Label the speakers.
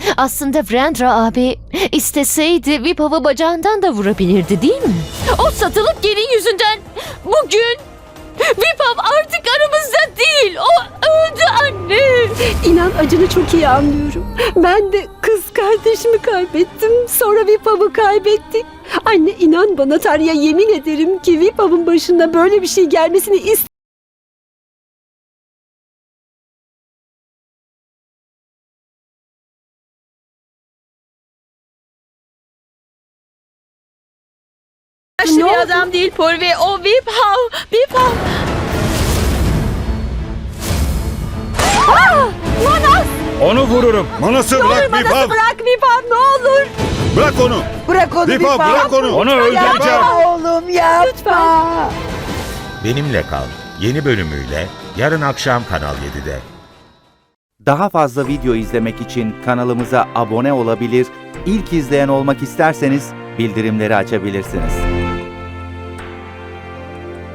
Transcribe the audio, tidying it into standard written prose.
Speaker 1: Aslında Brandra abi isteseydi Vipav'ı bacağından da vurabilirdi değil mi? O satılık gelin yüzünden bugün Vipav artık aramızda değil. O öldü anne.
Speaker 2: İnan acını çok iyi anlıyorum. Ben de kız kardeşimi kaybettim. Sonra Vipav'ı kaybettik. Anne inan bana Tanrı'ya yemin ederim ki Vipav'ın başına böyle bir şey gelmesini
Speaker 1: Yaşlı bir adam değil Purvi. O Vipav. Vipav.
Speaker 2: Manas!
Speaker 3: Onu vururum.
Speaker 4: Manas'ı
Speaker 2: Ne olur
Speaker 4: bırak
Speaker 2: Manas'ı
Speaker 4: Vipav.
Speaker 2: bırak Vipav ne olur.
Speaker 4: Bırak onu.
Speaker 5: Bırak onu
Speaker 4: Vipav
Speaker 5: Vipav.
Speaker 4: bırak onu.
Speaker 3: Onu öldüreceğim.
Speaker 5: Yapma oğlum yapma.
Speaker 6: Benimle Kal yeni bölümüyle yarın akşam Kanal 7'de.
Speaker 7: Daha fazla video izlemek için kanalımıza abone olabilir, ilk izleyen olmak isterseniz bildirimleri açabilirsiniz.